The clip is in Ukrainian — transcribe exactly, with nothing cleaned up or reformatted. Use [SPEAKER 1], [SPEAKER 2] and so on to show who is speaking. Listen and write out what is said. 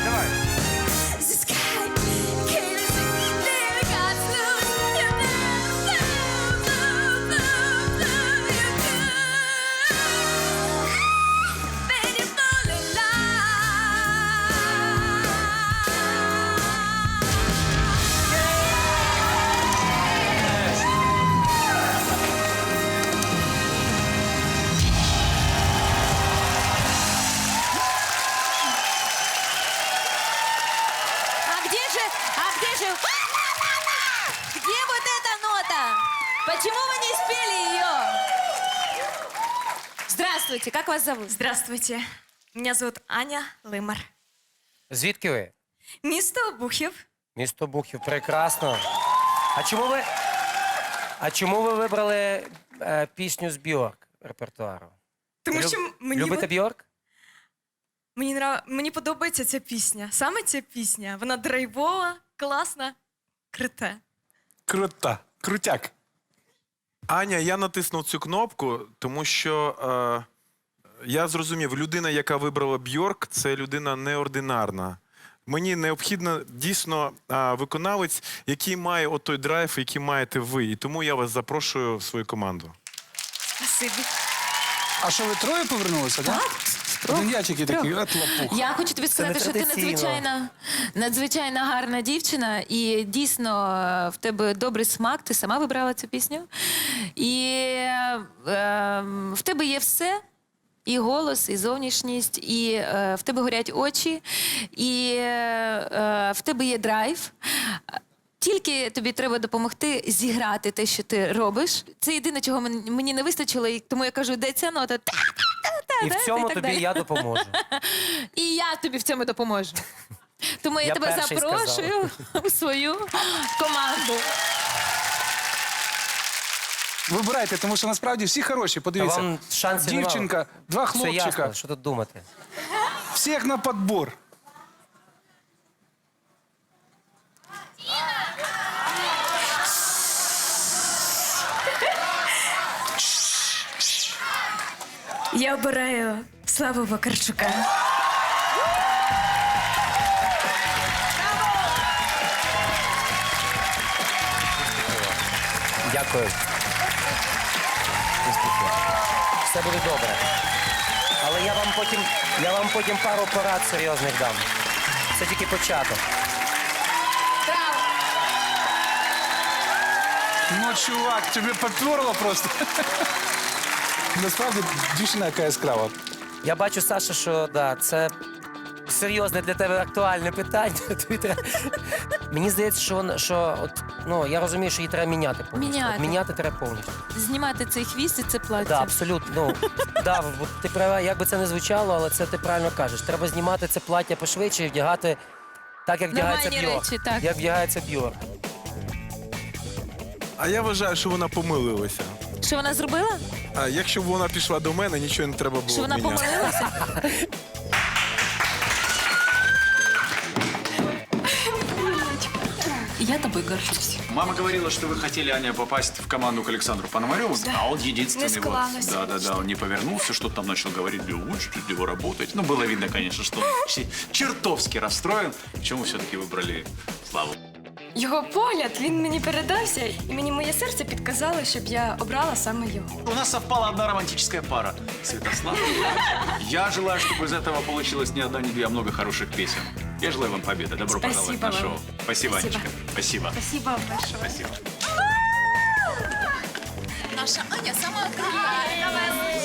[SPEAKER 1] давай, давай.
[SPEAKER 2] А где же, а где же... Где вот эта нота? Почему вы не спели ее? Здравствуйте, как вас зовут?
[SPEAKER 3] Здравствуйте. Меня зовут Аня Лимар.
[SPEAKER 1] Звідки ви?
[SPEAKER 3] Місто Обухів.
[SPEAKER 1] Місто Бухів. Прекрасно. А чому ви, а чому ви вибрали е, пісню з Бьорк репертуару?
[SPEAKER 3] Тому
[SPEAKER 1] Люб-
[SPEAKER 3] що мені,
[SPEAKER 1] Любите
[SPEAKER 3] вон-
[SPEAKER 1] Бьорк?
[SPEAKER 3] мені, нрав... мені подобається ця пісня. Саме ця пісня. Вона драйвова, класна, крута.
[SPEAKER 4] Крута, крутяк. Аня, я натиснув цю кнопку, тому що е, я зрозумів, людина, яка вибрала Бьорк, це людина неординарна. Мені необхідно дійсно е, виконавець, який має от той драйв, який маєте ви. І тому я вас запрошую в свою команду.
[SPEAKER 3] Спасибі.
[SPEAKER 5] А що, ви троє повернулися, так? Один я тільки такий, от лапух.
[SPEAKER 2] Я хочу тобі сказати, що ти
[SPEAKER 1] нетрадиційно.
[SPEAKER 2] надзвичайно, надзвичайно гарна дівчина, і дійсно е, в тебе добрий смак, ти сама вибрала цю пісню. І е, в тебе є все. І голос, і зовнішність, і е, в тебе горять очі, і е, е, в тебе є драйв. Тільки тобі треба допомогти зіграти те, що ти робиш. Це єдине, чого мен- мені не вистачило, і тому я кажу, де ця нота? Та-та-та-та,
[SPEAKER 1] І
[SPEAKER 2] да,
[SPEAKER 1] в цьому
[SPEAKER 2] так
[SPEAKER 1] тобі
[SPEAKER 2] далі.
[SPEAKER 1] я допоможу.
[SPEAKER 2] І я тобі в цьому допоможу. Тому я,
[SPEAKER 1] Я
[SPEAKER 2] тебе
[SPEAKER 1] перший
[SPEAKER 2] запрошую у свою команду.
[SPEAKER 5] Вибирайте, тому що насправді всі хороші.
[SPEAKER 1] Та
[SPEAKER 5] Подивіться.
[SPEAKER 1] вам шансів нема.
[SPEAKER 5] Дівчинка, два
[SPEAKER 1] Все
[SPEAKER 5] хлопчика.
[SPEAKER 1] ясно, що тут думати.
[SPEAKER 5] Всіх на подбор.
[SPEAKER 3] Я обираю Славу Вакарчука.
[SPEAKER 1] Дякую. Все буде добре. Але я вам потім, я вам потім пару порад серйозних дам. Це тільки початок.
[SPEAKER 5] Ну, чувак, тебе поперло просто. Насправді, дівчина яка яскрава.
[SPEAKER 1] Я бачу, Саша, що да, це серйозне для тебе актуальне питання. Тобі треба- Мені здається, що, вона- що от, ну, я розумію, що її треба міняти повністю.
[SPEAKER 2] Міняти.
[SPEAKER 1] От міняти треба повністю.
[SPEAKER 2] Знімати цей хвіст і це плаття.
[SPEAKER 1] Да, абсолютно. Ну, да, от ти права, як би це не звучало, але це ти правильно кажеш. Треба знімати це плаття пошвидше і вдягати так, як вдягається
[SPEAKER 2] Нормальні
[SPEAKER 1] Бьорк.
[SPEAKER 2] речі, так.
[SPEAKER 1] Як вдягається Бьорк.
[SPEAKER 4] А я вважаю, що вона помилилася.
[SPEAKER 2] Що вона зробила?
[SPEAKER 4] А якщо б вона пішла до мене, нічого не треба було
[SPEAKER 2] Що вона
[SPEAKER 4] міняти.
[SPEAKER 2] помилилася? Я тобой горжусь.
[SPEAKER 6] Мама говорила, что вы хотели, Аня, попасть в команду к Александру Пономареву, а он единственный.
[SPEAKER 3] Не склалось.
[SPEAKER 6] Вот, да, да, да, он не повернулся, что-то там начал говорить, вы учите его работать. Ну, было видно, конечно, что он че- чертовски расстроен. Почему все-таки выбрали Славу?
[SPEAKER 3] Його погляд, він мені передався, і мені моє серце підказало, щоб я обрала саме його.
[SPEAKER 6] У нас совпала одна романтическая пара. Святослав. Я желаю, чтобы из этого получилось не одна, не две, а много хороших песен. Я желаю вам победы. Добро
[SPEAKER 3] Спасибо
[SPEAKER 6] пожаловать на
[SPEAKER 3] вам.
[SPEAKER 6] шоу. Спасибо,
[SPEAKER 3] Спасибо.
[SPEAKER 6] Анечка. Спасибо.
[SPEAKER 3] Спасибо большое.
[SPEAKER 6] Спасибо.
[SPEAKER 7] Наша Аня сама красива.